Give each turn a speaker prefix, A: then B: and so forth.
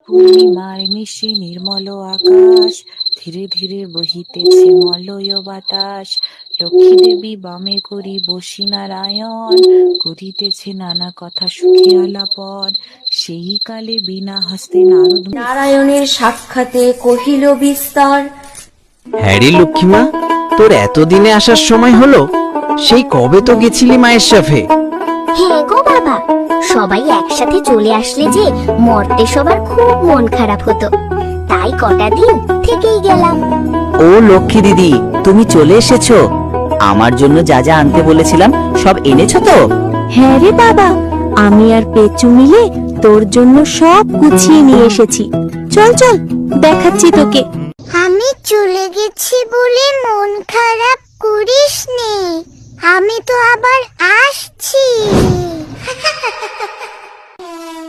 A: পূর্ণিমার মিশে নির্মল আকাশ, ধীরে ধীরে বহিতেছে মলয় বাতাস। লক্ষ্মী দেবী বামে করি বসি নারায়ণ, করিতেছে নানা কথা সুখে আলাপন। সেই কালে বিনা হস্তে নারদ
B: নারায়ণের সাক্ষাতে কহিল বিস্তর।
C: হ্যারি লক্ষ্মীমা, তোর এতদিনে আসার সময় হলো? সেই কবে তো গেছিলি মায়ের সাথে।
D: হ্যাঁ গো বাবা, সবাই একসাথে চলে আসলে যে মরতে সবার খুব মন খারাপ হতো, তাই কটা দিন থেকেই গেলাম।
E: ও লক্ষ্মী দিদি, তুমি চলে এসেছো। আমার জন্য যা যা আনতে বলেছিলাম সব এনেছো তো?
F: হ্যাঁ রে বাবা, আমি আর পেঁচু মিলে তোর জন্য সব গুছিয়ে নিয়ে এসেছি। চল চল, দেখাচ্ছি তোকে।
G: আমি চলে গেছি বলে মন খারাপ করিস নে, আমি তো আবার আসছি।